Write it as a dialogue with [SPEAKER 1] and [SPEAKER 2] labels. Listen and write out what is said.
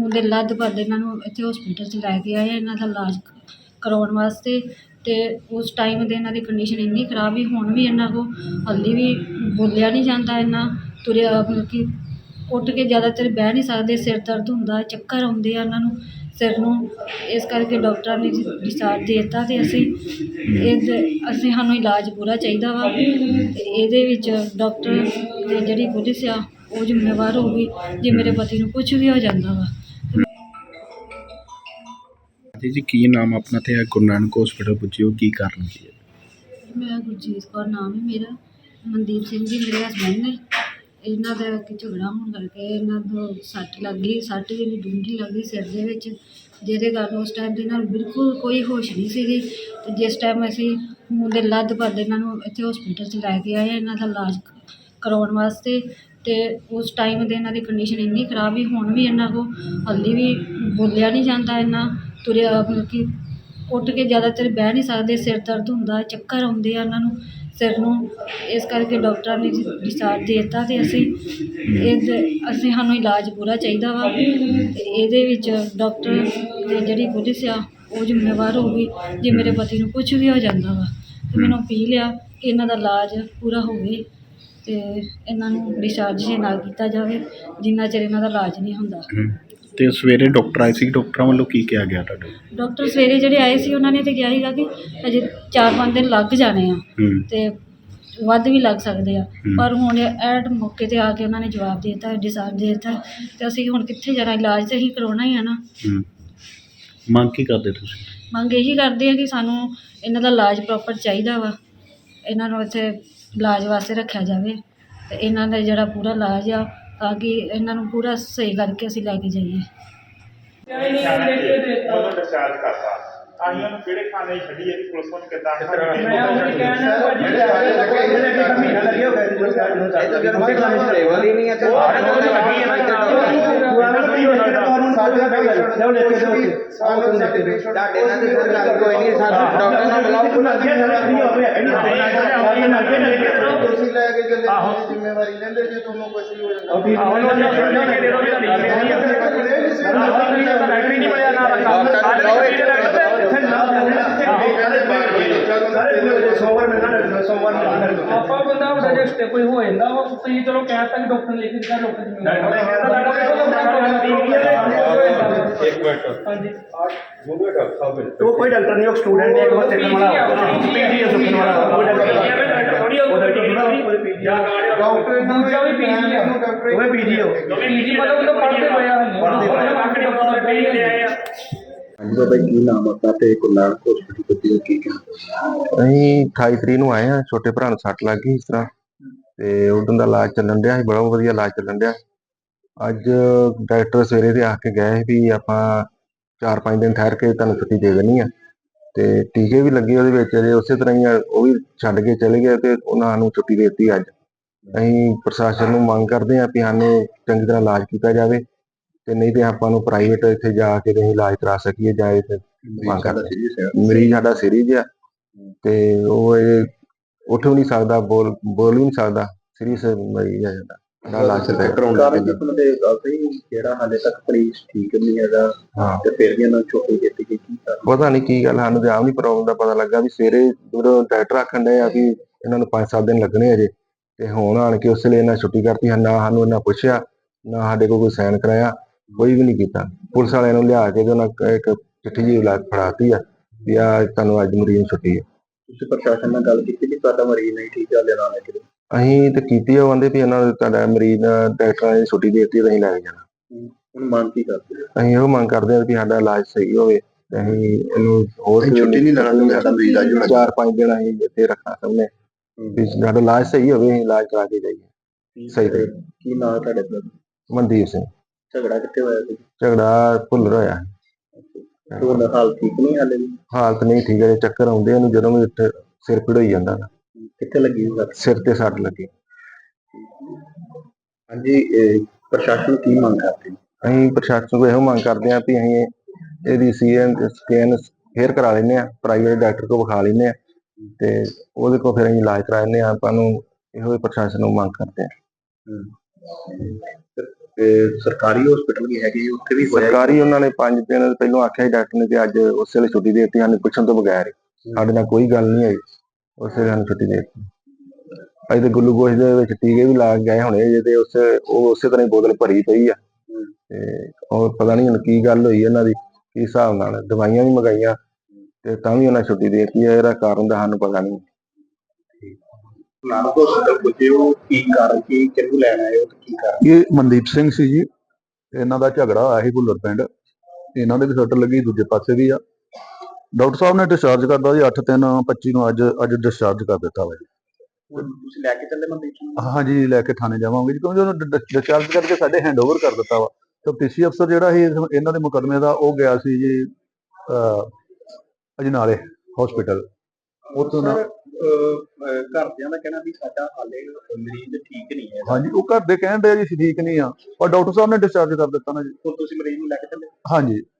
[SPEAKER 1] ਮੁੰਡੇ ਲੱਦ ਭੱਜ ਇਹਨਾਂ ਨੂੰ ਇੱਥੇ ਹੌਸਪੀਟਲ 'ਚ ਲੈ ਕੇ ਆਏ ਇਹਨਾਂ ਦਾ ਇਲਾਜ ਕਰਵਾਉਣ ਵਾਸਤੇ। ਅਤੇ ਉਸ ਟਾਈਮ ਦੇ ਇਹਨਾਂ ਦੀ ਕੰਡੀਸ਼ਨ ਇੰਨੀ ਖਰਾਬ ਸੀ, ਹੁਣ ਵੀ ਇਹਨਾਂ ਕੋਲ ਹਾਲੇ ਵੀ ਬੋਲਿਆ ਨਹੀਂ ਜਾਂਦਾ, ਇੰਨਾ ਤੁਰਿਆ ਮਤਲਬ ਕਿ ਉੱਠ ਕੇ ਜ਼ਿਆਦਾਤਰ ਬਹਿ ਨਹੀਂ ਸਕਦੇ, ਸਿਰ ਦਰਦ ਹੁੰਦਾ, ਚੱਕਰ ਆਉਂਦੇ ਆ ਇਹਨਾਂ ਨੂੰ ਸਿਰ ਨੂੰ। ਇਸ ਕਰਕੇ ਡਾਕਟਰਾਂ ਨੇ ਡਿਸਚਾਰਜ ਦੇ ਦਿੱਤਾ ਅਤੇ ਅਸੀਂ ਸਾਨੂੰ ਇਲਾਜ ਪੂਰਾ ਚਾਹੀਦਾ ਵਾ। ਅਤੇ ਇਹਦੇ ਵਿੱਚ ਡਾਕਟਰ ਅਤੇ ਜਿਹੜੀ ਪੁਲਿਸ ਆ ਉਹ ਜ਼ਿੰਮੇਵਾਰ ਹੋਊਗੀ ਜੇ ਮੇਰੇ ਪਤੀ ਨੂੰ ਕੁਛ ਵੀ ਹੋ ਜਾਂਦਾ ਵਾ।
[SPEAKER 2] ਜੀ ਕੀ ਨਾਮ ਆਪਣਾ ਤੇ ਗੁਰੂ ਨਾਨਕ ਹੌਸਪੀਟਲ ਪੁੱਜੇ ਹੋ, ਕੀ ਕਾਰਨ ਕੀ ਹੈ?
[SPEAKER 1] ਮੇਰਾ ਗੁਰਜੀਤ ਕੌਰ ਨਾਮ ਹੈ ਮੇਰਾ। ਮਨਦੀਪ ਸਿੰਘ ਜੀ ਮੇਰੇ ਹਸਬੈਂਡ ਨੇ। ਇਹਨਾਂ ਦਾ ਝਗੜਾ ਹੋਣ ਕਰਕੇ ਇਹਨਾਂ ਨੂੰ ਸੱਟ ਲੱਗ ਗਈ, ਸੱਟ ਜਿਹੜੀ ਡੂੰਘੀ ਲੱਗ ਗਈ ਸਿਰ ਦੇ ਵਿੱਚ, ਜਿਹਦੇ ਕਾਰਨ ਉਸ ਟਾਈਮ 'ਤੇ ਇਹਨਾਂ ਨੂੰ ਬਿਲਕੁਲ ਕੋਈ ਹੋਸ਼ ਨਹੀਂ ਸੀਗੀ। ਅਤੇ ਜਿਸ ਟਾਈਮ ਅਸੀਂ ਮੁੰਡੇ ਲੱਦ ਭੱਜ ਇਹਨਾਂ ਨੂੰ ਇੱਥੇ ਹੌਸਪੀਟਲ 'ਚ ਲੈ ਕੇ ਆਏ ਇਹਨਾਂ ਦਾ ਇਲਾਜ ਕਰਵਾਉਣ ਵਾਸਤੇ। ਅਤੇ ਉਸ ਟਾਈਮ ਦੇ ਇਹਨਾਂ ਦੀ ਕੰਡੀਸ਼ਨ ਇੰਨੀ ਖਰਾਬ ਸੀ, ਹੁਣ ਵੀ ਇਹਨਾਂ ਕੋਲ ਹਾਲੇ ਵੀ ਬੋਲਿਆ ਨਹੀਂ ਜਾਂਦਾ, ਇੰਨਾ ਤੁਰਿਆ ਮਤਲਬ ਕਿ ਉੱਠ ਕੇ ਜ਼ਿਆਦਾਤਰ ਬਹਿ ਨਹੀਂ ਸਕਦੇ, ਸਿਰ ਦਰਦ ਹੁੰਦਾ, ਚੱਕਰ ਆਉਂਦੇ ਆ ਇਹਨਾਂ ਨੂੰ ਸਿਰ ਨੂੰ। ਇਸ ਕਰਕੇ ਡਾਕਟਰਾਂ ਨੇ ਡਿਸਚਾਰਜ ਦੇ ਦਿੱਤਾ ਅਤੇ ਅਸੀਂ ਸਾਨੂੰ ਇਲਾਜ ਪੂਰਾ ਚਾਹੀਦਾ ਵਾ। ਅਤੇ ਇਹਦੇ ਵਿੱਚ ਡਾਕਟਰ ਅਤੇ ਜਿਹੜੀ ਪੁਲਿਸ ਆ ਉਹ ਜ਼ਿੰਮੇਵਾਰ ਹੋਊਗੀ ਜੇ ਮੇਰੇ ਪਤੀ ਨੂੰ ਕੁਛ ਵੀ ਹੋ ਜਾਂਦਾ ਵਾ। ਅਤੇ ਮੈਨੂੰ ਅਪੀਲ ਆ ਕਿ ਇਹਨਾਂ ਦਾ ਇਲਾਜ ਪੂਰਾ ਹੋਵੇ ਅਤੇ ਇਹਨਾਂ ਨੂੰ ਡਿਸਚਾਰਜ ਜੇ ਨਾ ਕੀਤਾ ਜਾਵੇ ਜਿੰਨਾ ਚਿਰ ਇਹਨਾਂ ਦਾ ਇਲਾਜ ਨਹੀਂ ਹੁੰਦਾ।
[SPEAKER 2] ਤੇ ਸਵੇਰੇ ਡਾਕਟਰ ਆਏ ਸੀ, ਡਾਕਟਰਾਂ ਵੱਲੋਂ ਕੀ ਕਿਹਾ ਗਿਆ ਤੁਹਾਡੇ?
[SPEAKER 1] ਡਾਕਟਰ ਸਵੇਰੇ ਜਿਹੜੇ ਆਏ ਸੀ ਉਹਨਾਂ ਨੇ ਤਾਂ ਕਿਹਾ ਸੀਗਾ ਕਿ ਅਜੇ 4-5 ਦਿਨ ਲੱਗ ਜਾਣੇ ਆ ਅਤੇ ਵੱਧ ਵੀ ਲੱਗ ਸਕਦੇ ਆ, ਪਰ ਹੁਣ ਐਟ ਮੌਕੇ 'ਤੇ ਆ ਕੇ ਉਹਨਾਂ ਨੇ ਜਵਾਬ ਦੇ ਦਿੱਤਾ, ਡਿਸਚਾਰਜ ਦੇ ਦਿੱਤਾ। ਅਤੇ ਅਸੀਂ ਹੁਣ ਕਿੱਥੇ ਜਾਣਾ, ਇਲਾਜ ਤਾਂ ਅਸੀਂ ਕਰਵਾਉਣਾ ਹੀ ਆ ਨਾ।
[SPEAKER 2] ਮੰਗ ਕੀ ਕਰਦੇ ਤੁਸੀਂ?
[SPEAKER 1] ਮੰਗ ਇਹੀ ਕਰਦੇ ਆ ਕਿ ਸਾਨੂੰ ਇਹਨਾਂ ਦਾ ਇਲਾਜ ਪ੍ਰੋਪਰ ਚਾਹੀਦਾ ਵਾ, ਇਹਨਾਂ ਨੂੰ ਇੱਥੇ ਇਲਾਜ ਵਾਸਤੇ ਰੱਖਿਆ ਜਾਵੇ ਅਤੇ ਇਹਨਾਂ ਦਾ ਜਿਹੜਾ ਪੂਰਾ ਇਲਾਜ ਆ ਤਾਂ ਕਿ ਇਹਨਾਂ ਨੂੰ ਪੂਰਾ ਸਹੀ ਕਰਕੇ ਅਸੀਂ ਲੈ ਕੇ ਜਾਈਏ।
[SPEAKER 3] ਉਹਨੂੰ ਡਿਸਚਾਰਜ ਕਰਤਾ ਅਸੀਂ ਉਹਨੂੰ ਕਿਹੜੇ ਖਾਨੇ ਛੱਡੀ ਇਹਦੀ ਪੁਲਿਸ ਨੂੰ ਕਿੱਦਾਂ
[SPEAKER 4] ਤੁਸੀਂ ਲੈ ਕੇ ਚੱਲੇ ਜ਼ਿੰਮੇਵਾਰੀ ਲੈਂਦੇ ਜੇ ਤੁਹਾਨੂੰ ਕੁਝ ਵੀ ਹੋ
[SPEAKER 5] ਆਪਾਂ ਬੰਦਾ ਸਜੈਸਟ ਕੋਈ ਹੋ ਜਾਂਦਾ ਵਾ ਤੁਸੀਂ ਚਲੋ ਕਹਿ ਤਾ ਕਿ ਡਾਕਟਰ ਲਿਖ ਦਿੱਤਾ, ਡਾਕਟਰ
[SPEAKER 3] ਇੱਕ ਮਿੰਟ
[SPEAKER 5] ਹਾਂਜੀ
[SPEAKER 4] तो कोई डॉक्टर नहीं, स्टूडेंट है, बस देखने वाला पीजी है, सुनने वाला कोई डॉक्टर
[SPEAKER 5] ਦੂਜਾ ਵੀ ਪੀਜੀ ਆ,
[SPEAKER 4] वो पीजी हो
[SPEAKER 5] ਪੀਜੀ ਮਤਲਬ ਉਹ ਪੜ੍ਹਦੇ ਹੋਏ ਆ।
[SPEAKER 2] ਹਾਂਜੀ ਬਾਬਾ ਜੀ ਕੀ ਨਾਮ ਆਪਣਾ ਤੇ ਗੁਰੂ ਨਾਨਕ ਹੌਸਪੀਟਲ ਪੁੱਜੇ ਹੋ, ਕੀ ਕਹਿਣਾ?
[SPEAKER 6] ਅਸੀਂ 28 ਤਰੀਕ ਨੂੰ ਆਏ ਹਾਂ, ਛੋਟੇ ਭਰਾ ਨੂੰ ਸੱਟ ਲੱਗ ਗਈ ਇਸ ਤਰ੍ਹਾਂ, ਤੇ ਉਦੋਂ ਦਾ ਇਲਾਜ ਚੱਲਣ ਡਿਆ ਸੀ, ਬੜਾ ਵਧੀਆ ਇਲਾਜ ਚੱਲਣ ਡਿਆ। ਅੱਜ ਡਾਕਟਰ ਸਵੇਰੇ ਤੇ ਆ ਕੇ ਗਏ ਵੀ ਆਪਾਂ 4-5 ਦਿਨ ਠਹਿਰ ਕੇ ਤੁਹਾਨੂੰ ਛੁੱਟੀ ਦੇ ਦੇਣੀ ਆ, ਤੇ ਟੀਕੇ ਵੀ ਲੱਗੇ ਉਹਦੇ ਵਿੱਚ ਅਜੇ ਉਸੇ ਤਰ੍ਹਾਂ ਹੀ ਆ, ਉਹ ਵੀ ਛੱਡ ਕੇ ਚਲੇ ਗਏ ਤੇ ਉਹਨਾਂ ਨੂੰ ਛੁੱਟੀ ਦੇ ਦਿੱਤੀ ਅੱਜ। ਅਸੀਂ ਪ੍ਰਸ਼ਾਸਨ ਨੂੰ ਮੰਗ ਕਰਦੇ ਹਾਂ ਵੀ ਸਾਨੂੰ ਚੰਗੀ ਤਰ੍ਹਾਂ ਇਲਾਜ ਕੀਤਾ ਜਾਵੇ, ਤੇ ਨਹੀਂ ਤੇ ਆਪਾਂ ਨੂੰ ਪ੍ਰਾਈਵੇਟ ਇੱਥੇ ਜਾ ਕੇ ਅਸੀਂ ਇਲਾਜ ਕਰਾ ਸਕੀਏ ਜਾਂ ਇਹ ਮੰਗ ਕਰਦੇ। ਮਰੀਜ਼ ਸਾਡਾ ਸੀਰੀਅਸ ਆ ਤੇ ਉਹ ਇਹ ਉੱਠ ਵੀ ਨਹੀਂ ਸਕਦਾ, ਬੋਲ ਵੀ ਨਹੀਂ ਸਕਦਾ, ਸੀਰੀਅਸ ਮਰੀਜ਼ ਆ ਸਾਡਾ।
[SPEAKER 2] ਜਿਹੜਾ ਹਾਲੇ ਤੱਕ ਮਰੀਜ਼ ਠੀਕ ਨਹੀਂ ਹੈਗਾ ਤੇ ਫਿਰ ਵੀ ਇਹਨਾਂ ਨੂੰ ਛੁੱਟੀ ਦਿੱਤੀ ਗਈ, ਕੀ ਕਾਰਨ?
[SPEAKER 6] ਪਤਾ ਨਹੀਂ ਕੀ ਗੱਲ, ਸਾਨੂੰ ਤੇ ਆਪ ਨਹੀਂ ਪ੍ਰੋਬਲਮ ਦਾ ਪਤਾ ਲੱਗਾ ਵੀ ਸਵੇਰੇ ਜਦੋਂ ਡਾਕਟਰ ਆਖਣ ਡਏ ਆ ਵੀ ਇਹਨਾਂ ਨੂੰ 5-7 ਦਿਨ ਲੱਗਣੇ ਅਜੇ, ਤੇ ਹੁਣ ਆਣ ਕੇ ਉਸ ਵੇਲੇ ਇਹਨਾਂ ਛੁੱਟੀ ਕਰਤੀ। ਨਾ ਸਾਨੂੰ ਇਹਨਾਂ ਪੁੱਛਿਆ, ਨਾ ਸਾਡੇ ਕੋਲ ਕੋਈ ਸਾਈਨ ਕਰਾਇਆ, ਕੋਈ ਵੀ ਨਹੀਂ ਕੀਤਾ। ਪੁਲਿਸ ਵਾਲਿਆਂ ਨੂੰ ਲਿਆ ਕੇ ਤੇ ਉਹਨਾਂ ਇੱਕ ਚਿੱਠੀ ਜਿਹੀ ਫੜਾਤੀ ਆ ਵੀ ਆ ਤੁਹਾਨੂੰ ਅੱਜ ਮਰੀਜ਼ ਨੂੰ ਛੁੱਟੀ ਹੈ।
[SPEAKER 2] ਤੁਸੀਂ ਪ੍ਰਸ਼ਾਸਨ ਨਾਲ ਗੱਲ ਕੀਤੀ ਵੀ ਤੁਹਾਡਾ ਮਰੀਜ਼ ਨਹੀਂ ਠੀਕ ਹਾਲੇ ਨਾਲ ਲੈ ਕੇ?
[SPEAKER 6] ਅਸੀਂ ਤੇ ਕੀਤੀ, ਉਹ ਕਹਿੰਦੇ ਵੀ ਇਹਨਾਂ ਨੂੰ ਤੁਹਾਡਾ ਮਰੀਜ਼ ਡਾਕਟਰਾਂ ਨੇ ਛੁੱਟੀ ਦੇ ਦਿੱਤੀ, ਅਸੀਂ ਲੈ ਕੇ ਜਾਣਾ।
[SPEAKER 2] ਹੁਣ ਮੰਗ ਕੀ ਕਰਦੇ?
[SPEAKER 6] ਅਸੀਂ ਇਹੋ ਮੰਗ ਕਰਦੇ ਹਾਂ ਵੀ ਸਾਡਾ ਇਲਾਜ ਸਹੀ ਹੋਵੇ, ਤੇ ਅਸੀਂ ਇਹਨੂੰ ਹੋਰ
[SPEAKER 2] ਛੁੱਟੀ ਨਹੀਂ ਲੈਣਾ, ਸਾਡਾ ਮਰੀਜ਼ ਅੱਜ
[SPEAKER 6] 4-5 ਦਿਨ ਅਸੀਂ ਇੱਥੇ ਰੱਖਣਾ ਚਾਹੁੰਦੇ ਵੀ ਸਾਡਾ ਇਲਾਜ ਸਹੀ ਹੋਵੇ, ਅਸੀਂ ਇਲਾਜ ਕਰਾ ਕੇ ਜਾਈਏ ਸਹੀ ਤੇ।
[SPEAKER 2] ਕੀ ਨਾਂ ਤੁਹਾਡੇ ਦਾ?
[SPEAKER 6] ਮਨਦੀਪ ਸਿੰਘ।
[SPEAKER 2] ਝਗੜਾ ਕਿੱਥੇ ਹੋਇਆ ਸੀ?
[SPEAKER 6] ਝਗੜਾ ਭੁੱਲਰ ਹੋਇਆ।
[SPEAKER 2] ਉਹਦਾ ਹਾਲ ਠੀਕ ਨਹੀਂ ਹਾਲੇ ਵੀ?
[SPEAKER 6] ਹਾਲਤ ਨਹੀਂ ਠੀਕ ਹੈ, ਚੱਕਰ ਆਉਂਦੇ ਉਹਨੂੰ ਜਦੋਂ ਵੀ ਉੱਥੇ, ਸਿਰ ਪੀੜ ਹੋਈ ਜਾਂਦਾ।
[SPEAKER 2] ਕਿੱਥੇ ਲੱਗੀ
[SPEAKER 6] ਸਿਰ ਤੇ ਸੱਟ ਲੱਗੀ।
[SPEAKER 2] ਹਾਂਜੀ, ਪ੍ਰਸ਼ਾਸਨ ਕੀ ਮੰਗ ਕਰਦੇ?
[SPEAKER 6] ਅਸੀਂ ਪ੍ਰਸ਼ਾਸਨ ਕੋਲ ਇਹੋ ਮੰਗ ਕਰਦੇ ਹਾਂ ਵੀ ਅਸੀਂ ਇਹਦੀ ਸਕੈਨ ਫੇਰ ਕਰਾ ਲੈਂਦੇ ਹਾਂ, ਪ੍ਰਾਈਵੇਟ ਡਾਕਟਰ ਕੋਲ ਵਿਖਾ ਲੈਂਦੇ ਹਾਂ, ਤੇ ਉਹਦੇ ਕੋਲ ਫਿਰ ਅਸੀਂ ਇਲਾਜ ਕਰਾ ਲੈਂਦੇ ਹਾਂ। ਆਪਾਂ ਨੂੰ ਇਹੋ ਪ੍ਰਸ਼ਾਸਨ ਨੂੰ ਮੰਗ ਕਰਦੇ ਹਾਂ।
[SPEAKER 2] ਤੇ ਸਰਕਾਰੀ ਹਸਪੀਟਲ ਵੀ ਹੈਗੇ ਉੱਥੇ ਵੀ ਹੋਇਆ
[SPEAKER 6] ਸਰਕਾਰੀ ਉਹਨਾਂ ਨੇ 5 ਦਿਨ ਪਹਿਲਾਂ ਆਖਿਆ ਸੀ ਡਾਕਟਰ ਨੇ, ਤੇ ਅੱਜ ਉਸੇ ਵੇਲੇ ਛੁੱਟੀ ਦੇ ਦਿੱਤੀ ਸਾਨੂੰ ਪੁੱਛਣ ਤੋਂ ਬਗੈਰ ਹੀ। ਸਾਡੇ ਨਾਲ ਕੋਈ ਗੱਲ ਨਹੀਂ ਹੋਈ, ਉਸੇ ਵੇਲੇ ਸਾਨੂੰ ਛੁੱਟੀ ਦੇ ਦਿੱਤੀ। ਅਸੀਂ ਤੇ ਗਲੂਕੋਜ਼ ਦੇ ਵਿੱਚ ਟੀਕੇ ਵੀ ਲਾ ਕੇ ਗਏ ਹੋਣੇ ਜੇ, ਤੇ ਉਹ ਉਸੇ ਤਰ੍ਹਾਂ ਹੀ ਬੋਤਲ ਭਰੀ ਪਈ ਆ। ਤੇ ਉਹ ਪਤਾ ਨਹੀਂ ਹੁਣ ਕੀ ਗੱਲ ਹੋਈ ਇਹਨਾਂ ਦੀ, ਕੀ ਹਿਸਾਬ ਨਾਲ ਦਵਾਈਆਂ ਵੀ ਮੰਗਾਈਆਂ ਤੇ ਤਾਂ ਵੀ ਉਹਨਾਂ ਛੁੱਟੀ ਦੇ ਦਿੱਤੀ ਹੈ। ਇਹਦਾ ਕਾਰਨ ਤਾਂ ਸਾਨੂੰ ਪਤਾ ਨਹੀਂ।
[SPEAKER 2] ਨਾਲ ਹਸਪੀਟਲ ਪੁੱਜੇ ਹੋ, ਕੀ ਕਾਰਨ ਕੀ ਕਿਹਨੂੰ ਲੈਣ ਆਏ ਹੋ ਤੇ ਕੀ ਕਾਰਨ?
[SPEAKER 7] ਇਹ ਮਨਦੀਪ ਸਿੰਘ ਸੀ ਜੀ, ਇਹਨਾਂ ਦਾ ਝਗੜਾ ਹੋਇਆ ਸੀ ਭੁੱਲਰ ਪਿੰਡ। ਇਹਨਾਂ ਦੇ ਵੀ ਸੱਟ ਲੱਗੀ, ਦੂਜੇ ਪਾਸੇ ਵੀ ਆ। ਡਾਕਟਰ ਸਾਹਿਬ ਨੇ ਡਿਸਚਾਰਜ ਕਰਦਾ ਜੀ 8/3/25 ਨੂੰ ਅੱਜ ਡਿਸਚਾਰਜ ਕਰ ਦਿੱਤਾ ਵਾ ਜੀ।
[SPEAKER 2] ਹੁਣ ਤੁਸੀਂ ਲੈ ਕੇ ਚੱਲੇ ਮਨਦੀਪ ਸਿੰਘ ਨੂੰ?
[SPEAKER 7] ਹਾਂਜੀ, ਲੈ ਕੇ ਥਾਣੇ ਜਾਵਾਂਗੇ ਜੀ, ਕਿਉਂਕਿ ਉਹਨੂੰ ਡਿਸਚਾਰਜ ਕਰਕੇ ਸਾਡੇ ਹੈਂਡਓਵਰ ਕਰ ਦਿੱਤਾ ਵਾ। ਤਫਤੀਸ਼ੀ ਅਫਸਰ ਜਿਹੜਾ ਸੀ ਇਹਨਾਂ ਦੇ ਮੁਕੱਦਮੇ ਦਾ, ਉਹ ਗਿਆ ਸੀ ਜੀ ਅਜਨਾਲੇ ਹਸਪੀਟਲ। ਉੱਥੋਂ ਦਾ
[SPEAKER 2] ਘਰਦਿਆਂ ਦਾ ਕਹਿਣਾ ਵੀ ਸਾਡਾ ਹਾਲੇ ਮਰੀਜ਼ ਠੀਕ ਨਹੀਂ ਹੈ।
[SPEAKER 7] ਹਾਂਜੀ, ਉਹ ਘਰ ਦੇ ਕਹਿਣ ਦੇ ਜੀ ਠੀਕ ਨਹੀਂ ਆ, ਪਰ ਡਾਕਟਰ ਸਾਹਿਬ ਨੇ ਡਿਸਚਾਰਜ ਕਰ ਦਿੱਤਾ ਨਾ ਜੀ।
[SPEAKER 2] ਹੁਣ ਤੁਸੀਂ ਮਰੀਜ਼ ਨੂੰ ਲੈ ਕੇ ਚੱਲੇ?
[SPEAKER 7] ਹਾਂਜੀ।